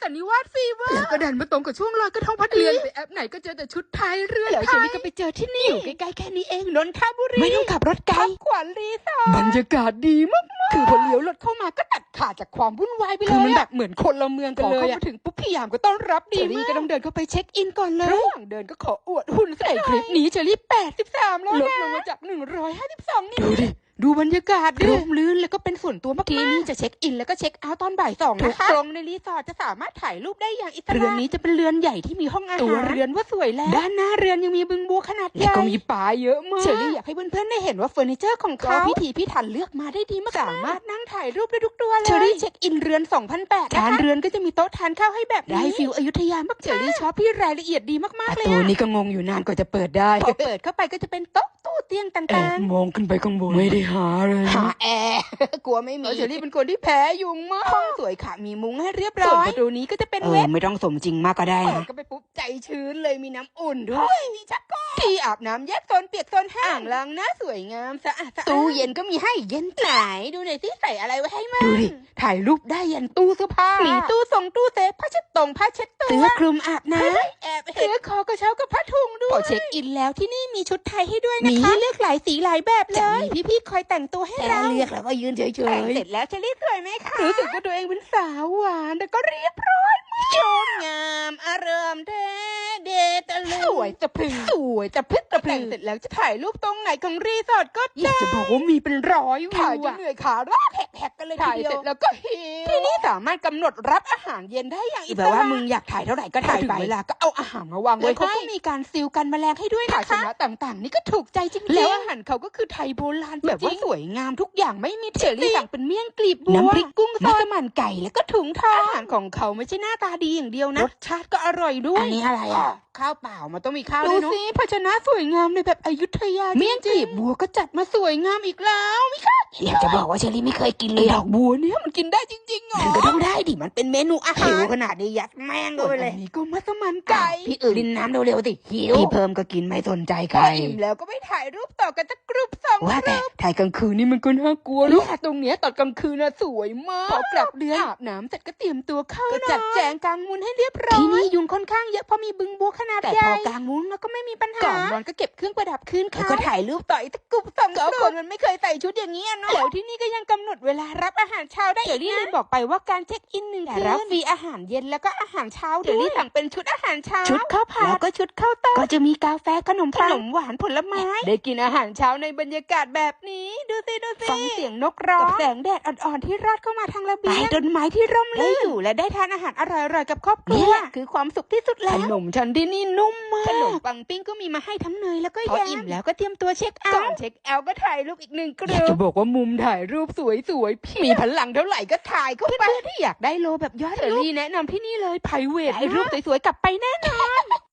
สันนิวาสฟีเวอร์แล้วก็ดันมาตรงกับช่วงลอยกระทงพอดีเลื่อนไปแอปไหนก็เจอแต่ชุดไทยเรือนไทยแล้วเชอรี่ก็ไปเจอที่นี่อยู่ใกล้ๆแค่นี้เองนนทบุรีไม่ต้องขับรถไกลขวัญรีสอร์ทบรรยากาศดีมากคือพอเลี้ยวรถเข้ามาก็ตัดขาดจากความวุ่นวายไปเลยคือมันแบบเหมือนคนละเมืองกันเลยเข้ามาถึงปุ๊บพี่ยามก็ต้อนรับดีมากเชอรี่ก็ต้องเดินเข้าไปเช็คอินก่อนเลยระหว่างเดินก็ขออวดหุ่นใส่คลิปนี้เชอรี่83แล้วนะลดลงมาจาก152นี่ดูบรรยากาศร่มรื่นแล้วก็เป็นส่วนตัวมากๆที่นี่จะเช็คอินแล้วก็เช็คเอาท์ตอนบ่าย2นะคะตรงในรีสอร์ทจะสามารถถ่ายรูปได้อย่างอิสระเรือนนี้จะเป็นเรือนใหญ่ที่มีห้องอาหารตัวเรือนว่าสวยแล้วด้านหน้าเรือนยังมีบึงบัวขนาดใหญ่แล้วก็มีป่าเยอะมากเชอรี่อยากให้เพื่อนๆได้เห็นว่าเฟอร์นิเจอร์ของเขาพิถีพิถันเลือกมาได้ดีมากสามารถนั่งถ่ายรูปได้ทุกตัวเลยเชอรี่เช็คอินเรือน 2,800 ทานเรือนก็จะมีโต๊ะทานข้าวให้แบบได้ฟิลอยุธยามากเชอรี่ชอบที่รายละเอียดดีมากๆเลยตัวนี้ก็งงอยู่นานกว่าจะเปิดได้พอเปิดเข้าไปก็จะเป็นโต๊ะตู้เตียงต่างๆมองขึ้นไปข้างบนไม่ได้หาเลยหาแอร์กลัวไม่มีเชอรี่เป็นคนที่แพ้ยุงมากห้องสวยค่ะมีมุ้งให้เรียบร้อยส่วนประตูนี้ก็จะเป็นเวทไม่ต้องสมจริงมากก็ได้นะเปิดก็ไปปุ๊บใจชื้นเลยมีน้ำอุ่นด้วยมีชักโครกที่อาบน้ำแยกโซนเปียกโซนแห้งอ่างล้างหน้าสวยงามสะอาดตู้เย็นก็มีให้เย็นไหนดูหน่อยสิใส่อะไรไว้ให้มั่งดูดิถ่ายรูปได้ยันตู้เสื้อผ้ามีตู้ทรงตู้เซฟผ้าเช็ดตรงผ้าเช็ดตัวเสื้อคลุมอาบน้ำแอบเสื้อคอกระเช้ากับผ้าถุงด้วยพอเช็คอินแล้วที่นี่มีชุดไทยให้ด้วยนะคะมีให้เลือกหลายสีหลายแบบเลยจะมีพี่ๆคอยแต่งตัวให้เราเลือกแล้วก็ยืนเฉยๆแต่งเสร็จแล้วเชอรี่สวยไหมคะรู้สึกว่าตัวเองเป็นสาวหวานแต่ก็เรียบร้อยชมงามอารมณ์แท้เดตะลึงสวยจะพึงสวยจะพึกจะพึงเสร็จแล้วจะถ่ายรูปตรงไหนของรีสอร์ทก็ได้อยากจะบอกว่ามีเป็นร้อยวิวถ่ายจนเหนื่อยขาลากแหกๆกันเลยทีเดียวถ่ายเสร็จแล้วก็หิวที่นี่สามารถกำหนดรับอาหารเย็นได้อย่างอิสระแบบว่ามึงอยากถ่ายเท่าไหร่ก็ถ่ายไปเวลาก็เอาอาหารมาวางไว้เขาก็มีการซีลกันแมลงให้ด้วยนะคะชนะต่างๆนี่ก็ถูกใจจริงๆแล้วอาหารเขาก็คือไทยโบราณแบบว่าสวยงามทุกอย่างไม่มีเชอรี่สั่งเป็นเมี่ยงกลีบบัวน้ำพริกกุ้งมัสมั่นไก่แล้วก็ถุงทองอาหารของเขาไม่ใช่หน้าตาดีอย่างเดียวนะรสชาติก็อร่อยด้วยอันนี้อะไรอ่ะข้าวเปล่ามันต้องมีข้าวด้วยเนาะดูสิภาชนะสวยงามในแบบอยุธยาเมี่ยงกลีบบัวก็จัดมาสวยงามอีกแล้วมิค่ะอยากจะบอกว่าเชอรี่ไม่เคยกินเลยดอกบัวเนี่ยมันกินได้จริงๆเหรอมันก็ต้องได้ดิมันเป็นเมนูอาหารหิวขนาดนี้ยัดแม่งเลยอันนี้ก็มัสมั่นไก่พี่ดินน้ำเร็วๆสิหิวพี่เพิ่มก็กินไม่สนใจใครอิ่มแล้วก็ไปถ่ายรูปต่อกันสักกรุ๊ป2ว่าแต่ถ่ายกลางคืนนี่มันก็น่ากลัวเนาะตรงเนี้ยตอนกลางคืนน่ะสวยมากพอกลับเรือนอาบน้ำเสร็จก็เตรียมตัวเข้านอนก็จัดแจงกางมุ้งให้เรียบร้อยที่นี่ยุงค่อนข้างเยอะเพราะมีบึงบัวขนาดใหญ่แต่พอกางมุ้งแล้วก็ไม่มีปัญหาก่อนนอนก็เก็บเครื่องประดับคืนค่ะแล้วก็ถ่ายรูปต่ออีกสักกรุ๊ป2ก็คนมันไม่เคยใส่ชุดอย่างนี้เนาะแล้วที่นี่ก็ยังกำหนดเวลารับอาหารเช้าได้เดี๋ยวนี้เลยบอกไปว่าการเช็คอิน1 คืนรับฟรีอาหารเย็นแล้วก็อาหารเช้าเดี๋ยวนี้สั่งเป็นชุดอาหารเช้าชุดข้าวผัดแล้วก็ชุดข้าวต้มก็จะมีกาแฟขนมหวานผลไม้ได้กินอาหารเช้าในบรรยากาศแบบนี้ดูสิฟังเสียงนกร้องกับแสงแดดอ่อนๆที่รอดเข้ามาทางระเบียงใต้ต้นไม้ที่ร่มรื่นได้อยู่และได้ทานอาหารอร่อยๆกับครอบครัวคือความสุขที่สุดแล้วขนมชั้นที่นี่นุ่มมากขนมปังปิ้งก็มีมาให้ทั้งเนยแล้วก็แยมพออิ่มแล้วก็เตรียมตัวเช็คเอาท์ก่อนเช็คเอาท์ก็ถ่ายรูปอีก1 กรุ๊ปอยากจะบอกว่ามุมถ่ายรูปสวยๆมีพลังเท่าไหร่ก็ถ่ายเข้าไปเพื่อนๆที่อยากได้โลแบบยอดเชอรี่แนะนำที่นี่เลยไพรเวทถ่ายรูปสวยๆกลับไปแน่นอน